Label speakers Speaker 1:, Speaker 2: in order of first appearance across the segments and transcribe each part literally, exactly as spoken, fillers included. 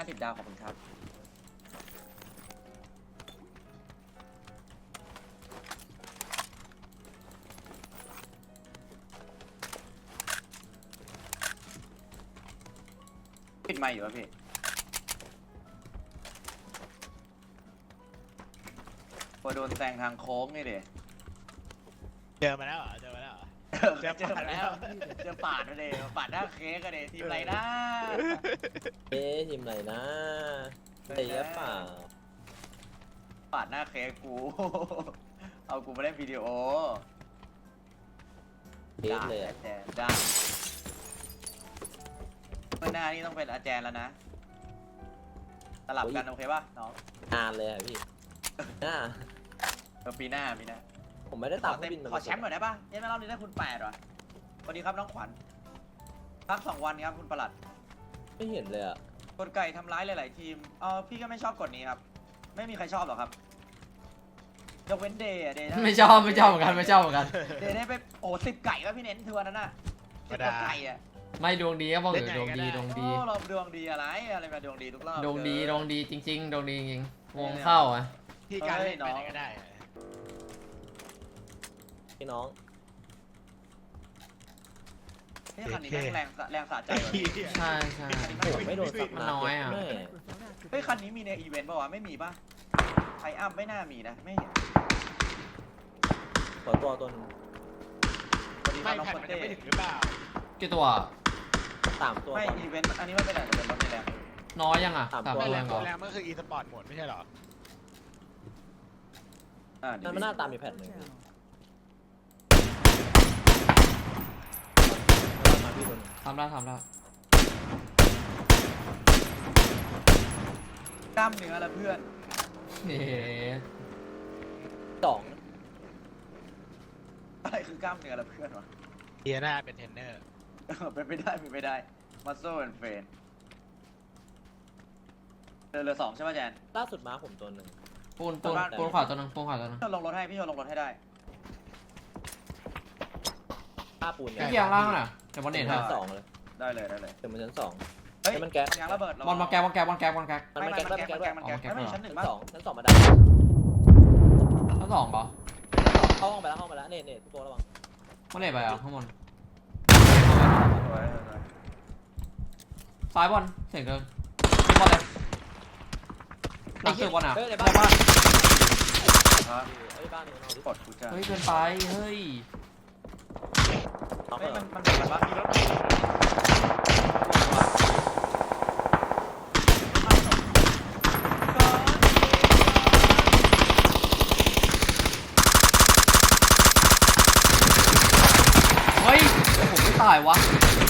Speaker 1: สิบดาวขอบคุณครับปิดไมค์อยู่ป่ะพี่พอโดนแซงทางโค้งนี่เด็
Speaker 2: เจอมาแล้วเหรอเจอมาแล้วเหรอ
Speaker 1: เจอปาดแล้วเจอปาดมาเลยปาดหน้าเค้กกันเลยทีมอะไรนะ
Speaker 3: เอ๊ะทีมไหนนะเตะเปล่า
Speaker 1: ปาดหน้าเค้กกู เอากูมาเล่นวิดีโอ
Speaker 3: เทสเลยอะ
Speaker 1: อาจารย์ได้เมื่อหน้านี่ต้องเป็นอาจารย์แล้วนะสลับกันโอเคป่ะน้อง
Speaker 3: นานเลยอะพี่น่า
Speaker 1: เออปีหน้าปีหน้า
Speaker 3: ผมไม่ได้
Speaker 1: ข
Speaker 3: ตา
Speaker 1: อ
Speaker 3: ม
Speaker 1: เต็ม
Speaker 3: บิน
Speaker 1: ขอแชมป์หน่อยได้ป่ะเย็นไม่รอบนี้ได้คุณแปดวะสวัสดีครับน้องขวัญพักสองวันครับคุณประหลัด
Speaker 3: ไม่เห็นเลยอะ
Speaker 1: กดไก่ทำร้ายหลาย ๆ ทีมเออพี่ก็ไม่ชอบกฎนี้ครับ ไม่มีใครชอบหรอกครับยกเว้นเดย์อะเดย์
Speaker 4: ไม่ชอบไม่ชอบเหมือนกันไม่ชอบเหมือนกัน
Speaker 1: เดย์ได้ไปโอ้สิบไก่ก็พี่เน้นทัวร์นั้นน่ะสิบกว่าไก่อะ
Speaker 4: ไม่ดวงดีก็บอกอยู่ดวงดีดวงดี
Speaker 1: โอ้เราดวงดีอะไรอะไรมาดวงดีทุกรอบ
Speaker 4: ดวงดี
Speaker 1: เกิน
Speaker 4: ดวงดีจริงๆดวงดีจริงๆวงเข้าอ่ะ
Speaker 2: ที่การเล่นไปไหนก็ได้
Speaker 3: พี่น้อง
Speaker 1: นี่คันนี้แม่งแรงแรงสะใจว่ะพี่
Speaker 4: ใช่ใช่
Speaker 3: ผมไม่โดนสับ
Speaker 4: มันน้อยอะ
Speaker 3: แม่
Speaker 1: เฮ้ยคันนี้มีในอีเวนต์ป่าวะไม่มีป่ะไทอัพไม่น่ามีนะไม่เห็น
Speaker 3: ขอตัวตัวนึง
Speaker 1: สวัสดีค
Speaker 2: ไม่
Speaker 1: รับน้อง
Speaker 2: แผ่น
Speaker 1: คน
Speaker 2: มัน
Speaker 1: เต้
Speaker 2: จะไม่ถึงหรือเปล่า
Speaker 4: กี่ตัว
Speaker 3: สามตัว
Speaker 1: ไม่
Speaker 3: ก่อน
Speaker 1: อีเวนต์อันนี้ไม่เป็นไรแต่เป็นรถในแรง
Speaker 4: น้อยยังอ่ะ
Speaker 3: สาม
Speaker 4: สาม
Speaker 3: ตัว
Speaker 4: ตัว
Speaker 2: แร
Speaker 4: ยัง งเหรอ
Speaker 2: แรงมันคือ e สปอร์ตหมดไม่ใช่หรอ
Speaker 1: อ่า
Speaker 3: นั่นมันหน้าตามมีแผ่นหนึ่งพี่มาพี่คนหนึ่ง
Speaker 4: ทำได้ทำได้
Speaker 1: กล้ามเนื้อละเพื่อน
Speaker 4: เฮ้
Speaker 3: สอง
Speaker 1: อะไรคือกล้ามเนื้อละเพื่อนวะ
Speaker 2: เดียน่าเป็นเทรนเนอร์
Speaker 1: เป็นไปได้เป็นไปได้มัสโซ่แอนเฟนเรือเรือสองใช่ป่ะแจน
Speaker 3: ล่าสุดมาผมตัวหนึ่ง
Speaker 4: ปูนปูนปูนขวาตัวหนึงปูนขวาตัวหนึง
Speaker 1: พี่ชนลงรถให้พี่ชนลงรถให้ได้
Speaker 3: ห้าปูนเนี่
Speaker 4: พี่
Speaker 3: ย
Speaker 4: เกียร์ล่างน่ะเดี๋ยวบอลเน็ต
Speaker 3: ชั้
Speaker 4: ฮะ
Speaker 3: นสองเลย
Speaker 1: ได้เลยได้เลย
Speaker 3: เดี๋ยวมันชั้นสอง
Speaker 1: เฮ้ย
Speaker 3: ให้มันแก๊ส
Speaker 1: ยางระเบิด
Speaker 4: บอลมาแกบอลแกบอลแกบอลแกบ
Speaker 3: มัน
Speaker 1: ไม่
Speaker 3: ไม่
Speaker 1: ไม่
Speaker 3: แก๊ส
Speaker 1: มัน
Speaker 3: ด้วย
Speaker 1: แก๊
Speaker 3: มัน
Speaker 1: ส
Speaker 3: แก๊ส
Speaker 1: มัน
Speaker 3: ด้วย
Speaker 1: แก๊สมันแก๊สไม่มีชั้นหนึ่ง
Speaker 3: ชั้น
Speaker 1: มั้ง
Speaker 3: สองชั้นสองมาได้
Speaker 4: แล้วสองปะ
Speaker 3: เข้าห้องไปแล้วเข้าห้องไปแล้วเน็ตเน็ตพี่โฟระวัง
Speaker 4: บอลเน็ตไปอ่ะข้างบน
Speaker 1: สวยสวย
Speaker 4: ซ้ายบอลเสียงเดินยิงบอลเลยหลังตึกบอลอ่ะ
Speaker 3: เฮ้ยใน
Speaker 4: ใน
Speaker 3: บ้าน
Speaker 4: บ้าน
Speaker 1: ครับ
Speaker 3: เฮ้ยบ้านนี่มันเอาดิ
Speaker 1: กดกูจะ
Speaker 4: เฮ้ยเกินไปเฮ้ย
Speaker 3: น็อก
Speaker 1: เฮ้ย
Speaker 3: เหร
Speaker 1: มั
Speaker 3: อน
Speaker 1: มันเหมือนว่ามีรถ
Speaker 4: เฮ้ยผมไม่ตายวะ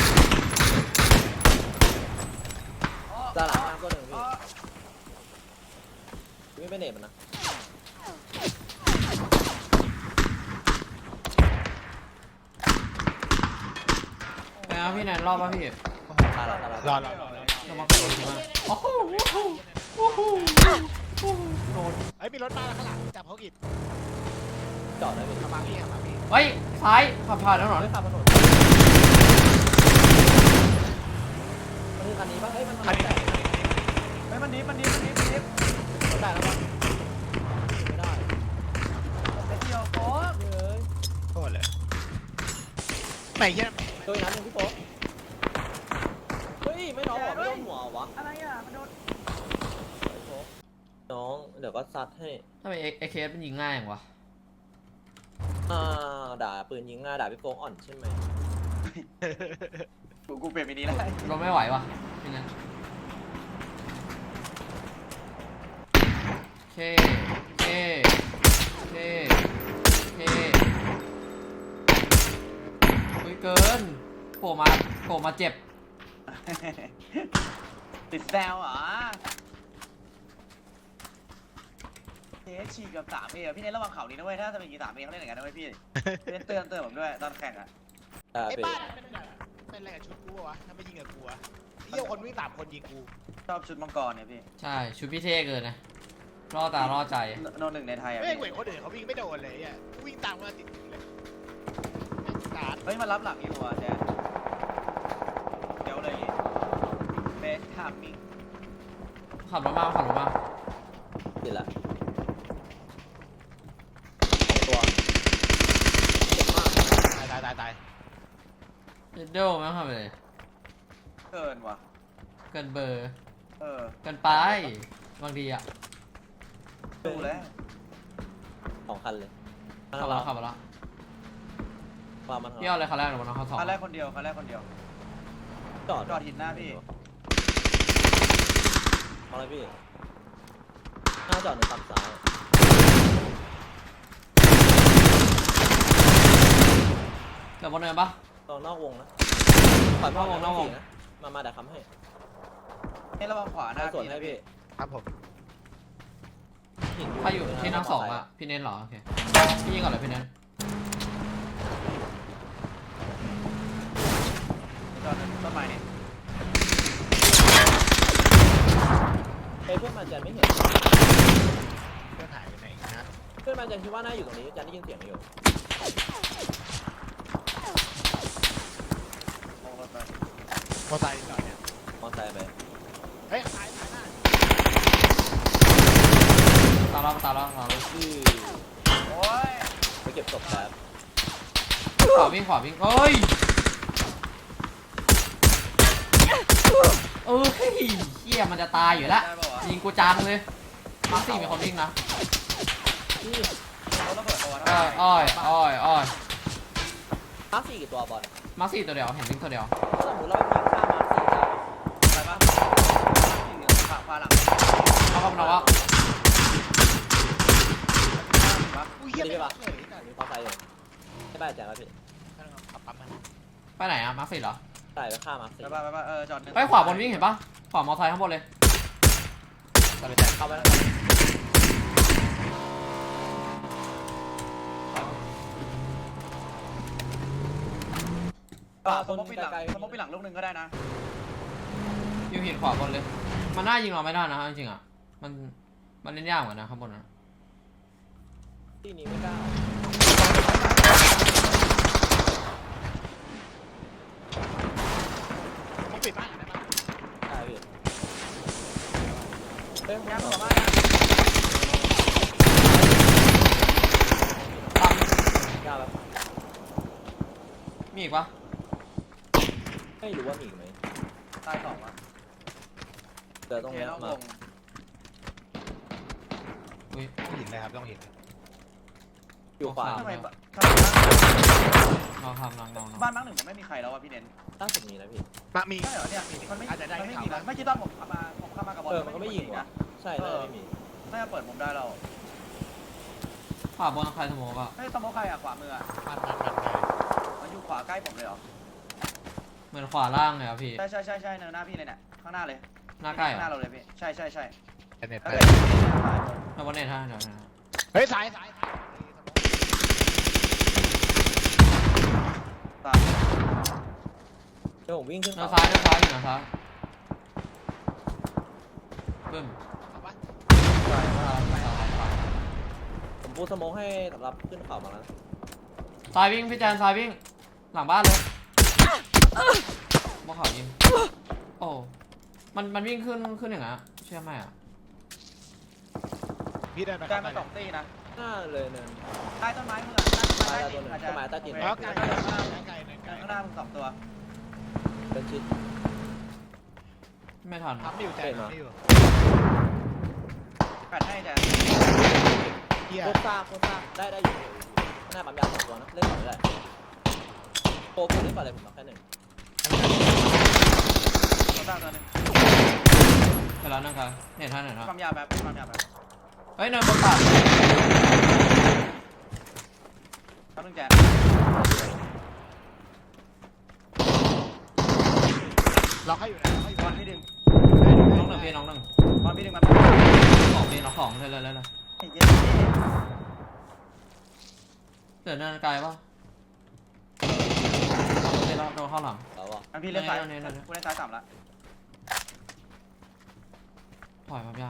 Speaker 3: ด้านหลังน้ำก็หนึ่งพี่พี่ไม่เป็นเน็ตมันนะ
Speaker 4: ไปนะพี่แนนรอบป่ะพี่
Speaker 3: ตายแล้วตายแล้ว
Speaker 2: รอรอรอรอ
Speaker 4: เรามาเปิดทีมาโอ้โหโอ้โหโอ้โหโดน
Speaker 2: เฮ้ยมีรถมาแล้วข้างหลังจับเขากิด
Speaker 3: จอดได้พี่
Speaker 2: ขับมาพี่ขับมาพี่
Speaker 4: เฮ้ยซ้ายขับผ่านแล้วหรอ
Speaker 3: เฮ้ยขับถนนมันคือคันนี้ป่ะเฮ้ยมัน
Speaker 2: คันนี้
Speaker 3: ได้
Speaker 1: เฮ้ยมันดิฟมันดิฟมันดิฟมันดิฟ
Speaker 3: มันได้แล้วป่ะไม่ได้
Speaker 1: เดี๋ยวเดียวโอ้
Speaker 3: เฮ้ย
Speaker 2: โคตรเลยไม่เยี่ยม
Speaker 3: ตัวอีกนัดหนึงพี่โป๊ะเฮ้ยไม่น้องหัวไม่โดนหัววะ
Speaker 1: อะไรอ่ะมันโดน
Speaker 3: ไอ้โป๊ะน้องเดี๋ยวก็ซัดให้
Speaker 4: ทำไมเอ็กเคสมันยิงง่ายอย่างวะ
Speaker 3: อ่าด่าปืนยิงง่ายด่าพี่โป๊ะอ่อนใช่ไหม
Speaker 1: กูกูเปลี่ยนมินิแล้ว
Speaker 4: เราไม่ไหววะพี่แนนเคเคเคเคอุ้ยเกินโผล่มาโผล่มาเจ็บ
Speaker 1: ติดแซวเหรอเทสฉีกกับสามเอพี่เน้นระวังเข่านี้นะเว้ยถ้าจะเป็นกีสามเอเขาเล่นอย่างนั้นนะเว้ยพี่เล่นเตือนเตือนผมด้วยตอนแข่งอ่ะ
Speaker 3: ด่า
Speaker 2: ไอ้
Speaker 3: ไป
Speaker 2: บ้านเป็นแบบเป็นอะไรกับชุดกูวะถ้าไม่ยิงกับกูวะเยี่ยคนวิ่งตามคนยิงกู
Speaker 1: ชอบชุดมังกรเนี่ยพี่
Speaker 4: ใช่ชุดพี่เท่เกินนะล่อตาล่อใจ
Speaker 1: โนหนึ่งในไทยอ่ะ
Speaker 2: ไม่
Speaker 1: พี่
Speaker 2: เหมือนคนอื่นเขาวิ่งไม่โดนเลยอ่ะวิ่งตามมาติดเลยสาด
Speaker 1: เฮ้ยมารับหลังอีกว่ะแจนเดี๋ยวเลยเบสทามมิ่ง
Speaker 4: ขับรถมาขับรถมา
Speaker 3: ติดละตัวเจ็บมาก
Speaker 2: ตายตายตายตาย
Speaker 4: เดลไม่ขับเลย
Speaker 1: เกินว่ะ
Speaker 4: เกินเบอร์
Speaker 1: เออ
Speaker 4: เกินไปบางทีอะ
Speaker 1: ดูแล้ว
Speaker 3: สองคันเลย
Speaker 4: ขับมาแล้วขับมาแล้ว
Speaker 3: ความมัน
Speaker 4: พี่เอาอะไรคันแรกหรือมันเอาคันสอง
Speaker 1: คันแรกคนเดียวคันแรกคนเดียว
Speaker 3: จอด
Speaker 1: จอดหินหน้าพี่
Speaker 3: เอาอะไรพี่หน้าจอดหนึ่งฝั่งซ้าย
Speaker 4: เดี๋ยวบนเนินปะ
Speaker 3: ตอนนอกวงนะปล่อยพ่อน
Speaker 4: อกวงนอกวง
Speaker 3: นะมามาเดี๋ยวค้ำให้
Speaker 1: ให้ระวังขวาหน้า
Speaker 3: ให้สวน
Speaker 1: พี่
Speaker 3: ให้
Speaker 1: นะ
Speaker 3: พี่
Speaker 1: พี่
Speaker 2: ครับผม
Speaker 3: หิน
Speaker 4: ใครอยู่ที่นั่งสองอะพี่เน้นเหรอโอเคพี่ยิงก่อนเลยพี่เน้น
Speaker 1: จอดต้นไม้นี่
Speaker 3: เอ้ยเพื่อนมาแจนไม่เห็น
Speaker 2: เพื่อนหายไปไหนนะ
Speaker 3: เพื่อนมาแจนคิดว่าน่าอยู่ตรงนี้แจนได้ยินเสียงอยู่
Speaker 1: มองรถไป
Speaker 2: มอไซค์จอดเนี่ย
Speaker 3: มอเตอร์ไซค์ไป
Speaker 2: เฮ้ยตายตายหน้า
Speaker 4: ตามเราตามเราตามเรา
Speaker 3: ที่
Speaker 1: โอ้ย
Speaker 3: ไปเก็บศพแป๊บ
Speaker 4: ขวาวิ่งขวาวิ่งเอ้ยเออเฮ้ยเฮียมันจะตายอยู่แล้ว
Speaker 1: ได้ป่าววะ
Speaker 4: ยิงกูจังเลยมาร์คสี่มีคนวิ่งนะ
Speaker 3: ที่
Speaker 1: รถระเบิดตัวนะ
Speaker 4: อ้อยอ้อยอ้อยอ้อย
Speaker 3: มาร์คสี่กี่ตัวบอล
Speaker 4: มาร์คสี่ตัวเดียวเห็นวิ่งตัวเดียว
Speaker 3: ถ้าสมมติเราไปยิงข้ามมาร์คสี่ได้
Speaker 1: ไปปะขวาขวาหลัง
Speaker 4: เอาเข้ามาแล้ววะ
Speaker 2: อุ้ยเหี้ยไม่ปะเลย
Speaker 3: มีมอเตอร์ไซค์อยู่ไม่ได้แจนแล้วพี่
Speaker 2: ขับปั๊มมัน
Speaker 4: ไปไหนอะมาร์คสี่เหรอ
Speaker 3: ใส่ไปข้ามมาร์คสี่
Speaker 1: ไปปะไปปะเออจอดหนึ่ง
Speaker 4: ไปขวาบนวิ่งเห็นปะขวามอเตอร์ไซค์ข้างบนเลย
Speaker 3: แต่ไปแจนเข้าไปแล้ว
Speaker 1: อ่าสมมติปิดหลังสมมติปิดหลังลูกหนึ่งก็ได้นะ
Speaker 4: อยู่หินขวาบนเลย มันน่ายิงเราไม่ได้นะจริงๆอะมันมันเล่นยากเหมือนกันนะข้างบนนะ
Speaker 3: ที่นี้ไม่กล้า
Speaker 2: ผมปิดบ้านอยู่ได้ปะ
Speaker 3: ใช่พี่เอ้ย
Speaker 1: ย่าง
Speaker 3: ต่
Speaker 1: ต่
Speaker 3: อ
Speaker 1: อ
Speaker 3: มา
Speaker 1: มา
Speaker 4: ปั๊ม
Speaker 3: กล้าแบบ
Speaker 4: มีอีกปะ
Speaker 3: ไม่รู้ว่ามีอีกไหม
Speaker 1: ตายสองวะ
Speaker 3: เดี๋ยวตรง
Speaker 1: เท
Speaker 3: เนี้ย
Speaker 1: นอกว
Speaker 3: มาง
Speaker 4: อุ้ย
Speaker 2: ต้องเห็นเลยครับต้องเห็น
Speaker 3: อยู่ขวา
Speaker 1: ทำไม
Speaker 4: ลองทำลองลองลอง
Speaker 1: บ้านมั้งหนึ่งผมไม่มีใครแล้วอ่ะพี่เน้น
Speaker 3: ล่าสุดมีนะพี่
Speaker 2: มามี
Speaker 1: ใช่เหรอเนี่ยมันไม่
Speaker 2: อาจจะได้
Speaker 1: มันไม่
Speaker 2: ข่าว
Speaker 1: มีนะไม่คิดตอนผมเข้ามาผมเข้ามากับบอล
Speaker 3: เออมันก็ไม่ยิงว่ะใช่น่าจะไม่มี
Speaker 1: น่าจะเปิดมุมได้เรา
Speaker 4: ขวาบนใครสโมกอะ
Speaker 1: ไม่สมมติใครอ่ะขวามืออ่ะ
Speaker 2: มันมันมันเลย
Speaker 1: มันอยู่ขวาใกล้ผมเลยเหรอ
Speaker 4: เหมือนขวาล่างเลยอะพี่
Speaker 1: ใช่ใช่ใช่ใช่เนินหน้าพี่เลยเนี่ยข้างหน้าเลย
Speaker 4: หน้าใกล้เหร
Speaker 1: หน้า
Speaker 4: อ
Speaker 1: เราเลยพี่ใช่ใช่ใช่
Speaker 2: แต่เน็ต
Speaker 1: แล้ว
Speaker 2: ไป
Speaker 1: เกิด
Speaker 4: แล้ววันเน็ตท่าเดี๋ยวนะ
Speaker 2: เฮ้ยสายสาย
Speaker 1: ตาย
Speaker 3: เดี๋ยวผมวิ่งขึ้น
Speaker 4: เดิน
Speaker 3: เขา
Speaker 4: ซ้ายเดินซ้ายอยู่นะซ้ายบึ้ม
Speaker 1: ตาย
Speaker 4: ซ้ายซ้ายซ้าย
Speaker 3: ผมปูสโมกให้สำหรับขึ้นเขามาแล้ว
Speaker 4: ซ้ายวิ่งพี่แจนซ้ายวิ่งหลังบ้านเลยมองเขายิงโอ้มันมันวิ่งขึ้นขึ้นอย่างเงี้ยเชื่อไหมอะ
Speaker 2: พี่เดินไป
Speaker 1: กลา
Speaker 2: ข้าย งใน
Speaker 1: มาสองตีนะ
Speaker 3: หน้าเลยเนิน
Speaker 1: ใต้ต้นไม้มึงอ่ะใต้ต้นไม้ใต้ดินอาจจะ
Speaker 2: แล้วไกลไกลไกลไกล
Speaker 1: ข้างหน้ามึงสองตัว
Speaker 3: เป็นชิด
Speaker 4: ไม่ทัน
Speaker 2: ทำไม่อยู่ใจทำไม่อยู่
Speaker 1: กัดให้แต่
Speaker 2: เฮีย
Speaker 3: โคตรซ่าโคตรซ่าได้ได้อยู่หน้าปั๊มยาสองตัวนะเล่นต่อไม่ได้โปรผมเล่นต่อเลยผมเอาแค่หนึ่ง
Speaker 1: ตัวตาตัวนึง
Speaker 4: เดี๋ยวแล้วนั่งกันเน็ตท่าเน็ตท่า
Speaker 1: ความยาวแบบความยาวแบบ
Speaker 4: เฮ้ยเนินบนตัด
Speaker 1: ตัวนึงแจก
Speaker 2: ล็อกให้อยู่นะล็อกให้อยู่
Speaker 1: บอลพี่ดึง
Speaker 4: น้องหนึ่งพี่น้องหนึ่ง
Speaker 1: บอลพี่ดึงมา
Speaker 4: สองพี่น้องสองเลยเลยเลยเลย
Speaker 1: ไอ้เจ๊
Speaker 4: เดี๋ยวเนินไกลปะเดี๋ยวเราโดนเข้าหลัง
Speaker 3: แล้วอ่ะ
Speaker 1: อันพี่เล่นซ้ายกูเล่นซ้ายสามละ
Speaker 4: ถอยมายาว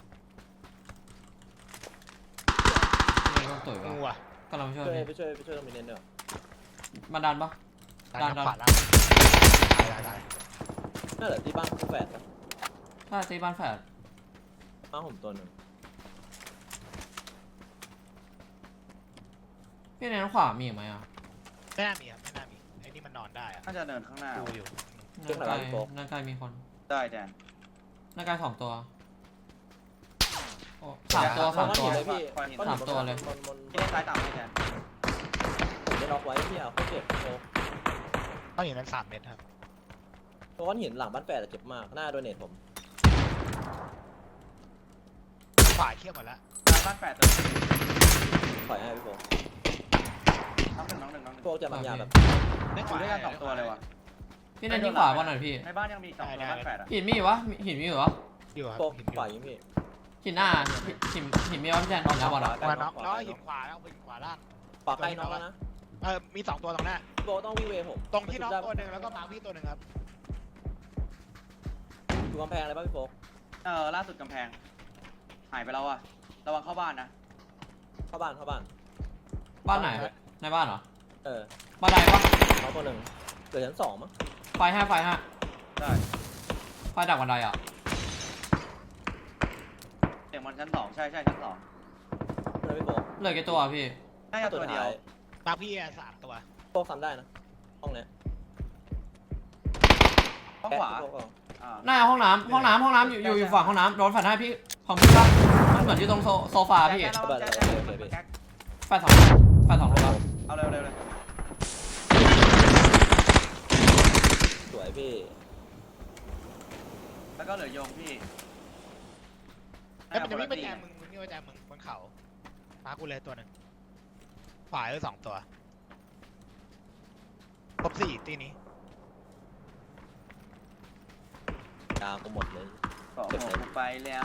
Speaker 4: นี่ก็ตุ๋ย
Speaker 2: งู
Speaker 4: วะ
Speaker 2: อ่ะ
Speaker 4: กำลังช่วย
Speaker 3: ช่วย
Speaker 4: พี่
Speaker 3: ไปช่วยไปช่วยตรงมินเนนเนอร์
Speaker 4: มาดันปะ
Speaker 2: ดันขวาล่างตายตายตาย
Speaker 3: น่าเหลือที่บ้านคู่แฝดนะ
Speaker 4: ถ้าตีบ้านแฝด
Speaker 3: มาผมตัวหนึ่ง
Speaker 4: พี่ในขวามีอีกไหมอ่ะ
Speaker 2: ไม่น่ามีครับไม่น่ามีไอ้นี่มันนอนได้อะ
Speaker 1: น่าจะเดินข้างหน้า
Speaker 2: ดูอยู่
Speaker 4: หน้าไกลหน้าไกลมีคน
Speaker 1: ได้แดน
Speaker 4: หน้าไกลสองตัวโอ้สามตัวสามตัว
Speaker 3: เลยพี่
Speaker 4: สามตัวเลย
Speaker 3: บนบน
Speaker 1: พี่เล่นซ้ายต่ำให้แดน
Speaker 3: ผมได้ล็อกไว้พี่เอาเขาเจ็บโชว์
Speaker 2: ต้องอย่างนั้นสามเมตรครับ
Speaker 3: เพราะว่าหินหลังบ้านแฝดเจ็บมากหน้าโดนเนทผม
Speaker 2: ฝ่ายเทียบหมดแล้ว
Speaker 1: บ้านแปดตัว
Speaker 3: ปล่อยให้พี่โฟ
Speaker 1: น้องหนึ่งน้องหนึ่งน้องหนึ่ง
Speaker 3: พวกจะบางอย่างแบบ
Speaker 2: ได้
Speaker 1: อยู่ด้วยกันสองตัวเลยว่ะ
Speaker 4: พี่ในที่ขวาบอลหน่อยพี่
Speaker 1: ในบ้านยังมีอีกสองตัวบ้านแปดอ่ะ
Speaker 4: หินมีอยู่วะหินมีอยู่วะ
Speaker 2: อยู่ครับ
Speaker 3: พวก
Speaker 2: หิน
Speaker 3: ปล่อยยิงพี่
Speaker 4: หินหน้าหินหินมีวะพี่แจนหินหน้าบอลอ่ะ
Speaker 2: มาน็อกแล้วหินขวาแล้วไปหินขวาล่าง
Speaker 3: ปากใกล้น้องแล้วนะ
Speaker 2: เออมีสองตัวตรงหน้า
Speaker 3: พี่โฟต้องวิ่งเวผม
Speaker 2: ตรงที่น็อกตัวหนึ่งแล้วก็มาพี่ตัวหนึ่งครับ
Speaker 3: อยู่กำแพงเลยป่ะพี่โฟ
Speaker 1: เออล่าสุดกำแพงหายไปแล้วอ่ะระวังเข้าบ้านนะ
Speaker 3: เข้าบ้านเข้าบ้าน
Speaker 4: บ้านไหนในบ้านเหรอ
Speaker 3: เออ
Speaker 4: บ้านใดปะ
Speaker 3: น้องตัวหนึ่งเหลือชั้นสองมั้ง
Speaker 4: ไฟห้าไฟห้า
Speaker 1: ได้
Speaker 4: ไฟดักบันไดอ่ะ
Speaker 1: เสียงมันชั้นสองใช่ใช่ชั้นสอง
Speaker 3: เลยพี่โฟ
Speaker 4: เหลือกี่ตัวพี่
Speaker 1: น่าจะตัวเดียว
Speaker 2: มาพี่อ่ะสามตัว
Speaker 3: โฟซ้ำได้นะห้องเนี้ย
Speaker 1: ข้างขวา
Speaker 3: แกะพี่โฟก่อน
Speaker 1: อ่า
Speaker 4: หน้าห้องน้ำห้องน้ำห้องน้ำอยู่อยู่อยู่ฝั่งห้องน้ำโดนแฟนให้พี่ของพี่ป่ะมันเหมือนอยู่ตรงโซโซฟาพี่
Speaker 1: แจ๊คแจ๊คแจ๊คแจ๊คแจ๊ค
Speaker 4: แฟนสองแฟนสองลูกแล้ว
Speaker 1: เอาเร็วเร็วเลย
Speaker 3: สวยพี่
Speaker 1: แล้วก็เหลือโยงพี่
Speaker 2: ไอ้ยมันจะวิ่งไปแจมมึงมึงนี่ไปแจมมึงบนเขามากูเลยตัวหนึ่งขวาเลยสองตัวครบสี่ตีนี้
Speaker 3: กลางกูหมดเลย
Speaker 1: เกาะหัวกูไปแล้ว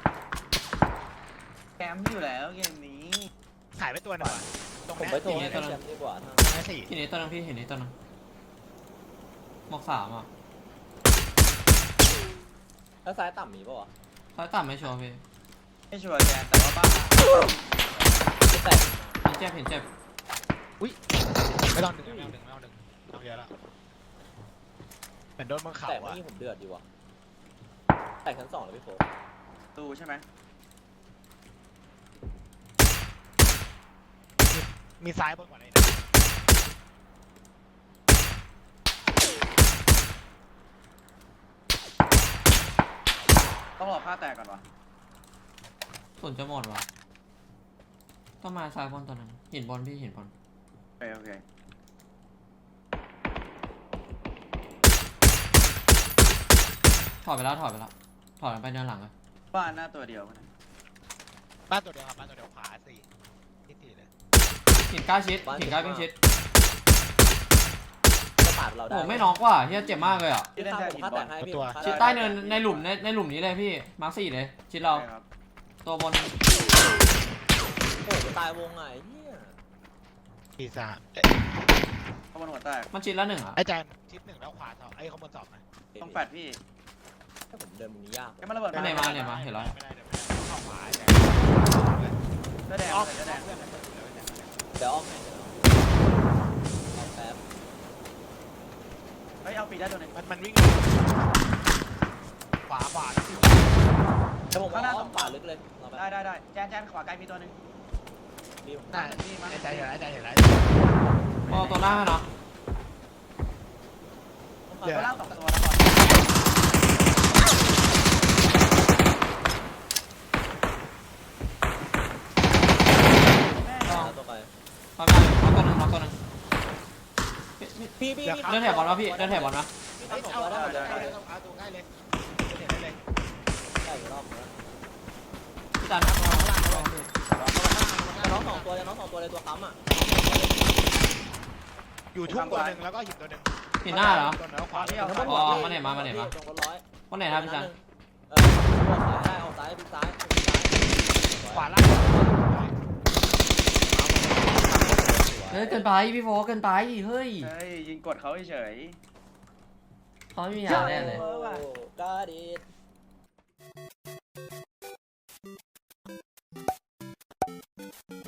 Speaker 1: แคมป์อยู่แล้วเกมนี้
Speaker 2: หายไปตัวหนึ่งว่ะตรง
Speaker 3: ผม
Speaker 2: เนี้ย
Speaker 3: ไปโทรให้แชมป์ดีกว่าถ้า
Speaker 2: ไอ้สี่
Speaker 4: หินนี้ตัวนึงพี่หินนี้ตัวนึงหมอกสามอ่ะ
Speaker 3: แล้วซ้ายต่ำมีป่าวะ
Speaker 4: ซ้ายต่ำไม่ชัวร์พี่
Speaker 1: ไม่ชัวร์แจนแต่ว่าบ้าน
Speaker 3: ไม่แตก
Speaker 4: เห็นเจ็บเห็นเจ็บ
Speaker 2: ไม่ต้องดึงไม่ต้องดึงไม่ต้องดึงเอาเยอะแล้วเหมือนโดนบนเขา
Speaker 3: แตกเมื่อ
Speaker 2: อะ
Speaker 3: กี้ผมเดือดดีว่ะแตกชั้นสองเลยพี่โฟ
Speaker 1: ตูใช่ไหม
Speaker 2: มีซ้ายบนกว่านี้นะ
Speaker 1: ต้องรอผ้าแตกก่อนวะ
Speaker 4: ส่วนจะหมดวะต้องมาซ้ายบนตัวนึงหินบนพี่หินบน
Speaker 1: โอเคโอเค
Speaker 4: ถอดไปแล้วถอดไปแล้วถอดไปเดินหลังเลย
Speaker 1: บ้านหน้าตัวเดียวนะ
Speaker 2: บ้านตัวเดียวครับบ้านตัวเดียวขวาสี่ที่สี่เลย
Speaker 4: หินกล้าชิดหินกล้าวิ่งชิด
Speaker 3: จะปาดเราได้
Speaker 4: โอ้ไม่น็อกว่ะเฮียเจ็บมากเลยอ่ะ
Speaker 3: พี่ข้ามผมฆ่าแตกให้พี่
Speaker 4: ชิดใต้เนินในหลุมในในหลุมนี้เลยพี่มาร์คสี่เลยชิดเรา
Speaker 1: ใช่ครับ
Speaker 4: ตัวบน
Speaker 3: โอ้ตายวงไงเฮีย
Speaker 2: สี่สามเอ้ย
Speaker 1: ข้างบนหัวแตก
Speaker 4: มันชิดละหนึ่งอ่ะ
Speaker 2: ไอ้แจมชิดหนึ่งแล้วขวาสองไอ้ข้างบนสองนะ
Speaker 1: ต้องแฟดพี่
Speaker 3: ถ้าผมเดินมุมนี้ยาก
Speaker 1: แกมันระเบิด
Speaker 4: ไม่ไหนมาเนี่ยมาเห็นแล้ว
Speaker 2: ไม่ได้เดี๋ยวไม่ได้เข้าขวาไอ้แจม
Speaker 1: เสื้อแดง
Speaker 2: อ้อม
Speaker 1: เสื้อแดง
Speaker 2: เพื่อนมันเพื่อนมันเพื่อนมัน
Speaker 3: เดี๋ยวอ้อมให้เดี๋ยวเอาแป๊บ
Speaker 1: เฮ้ยเอาปีได้ตัวหนึง
Speaker 2: มันมันวิ่งขวาขวา
Speaker 3: แต่ผมว่าอ้อมขวาลึกเลยเราไป
Speaker 1: ได้ได้ได้แจนแจนขวาไกลมีตัวหนึง
Speaker 3: รีบ
Speaker 2: น่า
Speaker 1: นี่มา
Speaker 2: ไอ้ใจเห็นแล้วไอ้ใจเห็นแล้ว
Speaker 4: พอตัวหน้าให้เนาะ
Speaker 1: ตัวล่างสองตัวแล้วก่อน
Speaker 3: ตัวไป
Speaker 4: ทำได้น็อกตัวหนึ่งน็อกตัวหนึ่ง
Speaker 3: พี่พี่
Speaker 4: เดินแถบบอลวะพี่เดินแถบบอลวะ
Speaker 3: พี่
Speaker 2: เอา
Speaker 3: ทำสอง
Speaker 2: เอา
Speaker 3: ตัวได้
Speaker 2: เอา
Speaker 3: เลย
Speaker 2: เอาเอาตัวใกล้เลยเห็นได้เลย
Speaker 3: ได้รอบแล้ว
Speaker 4: พี่จัน
Speaker 3: จะน้องสองตัวจะน้องสองตัวเลยตัวค้ำอ่ะ
Speaker 2: อยู่ทุ่งตัวหนึ่งแล้วก็หินตัวหนึ่ง
Speaker 4: หินหน้าเหรอ
Speaker 2: ตัวหนึ่งแล้วขวา
Speaker 4: อ๋อมาไหนมามาไหนมา
Speaker 3: ตรงคนร้อย
Speaker 4: วันไหนครับพี่จัน
Speaker 3: เออได้ออกซ้ายพี่ซ้าย
Speaker 2: ขวาล่าง
Speaker 4: เฮ้ยเกินไปพี่โฟเกินไปเฮ้ย
Speaker 1: เฮ้ยยิงกดเขาเฉย
Speaker 4: เขาไม่มียาแน่เลย
Speaker 3: กาดีด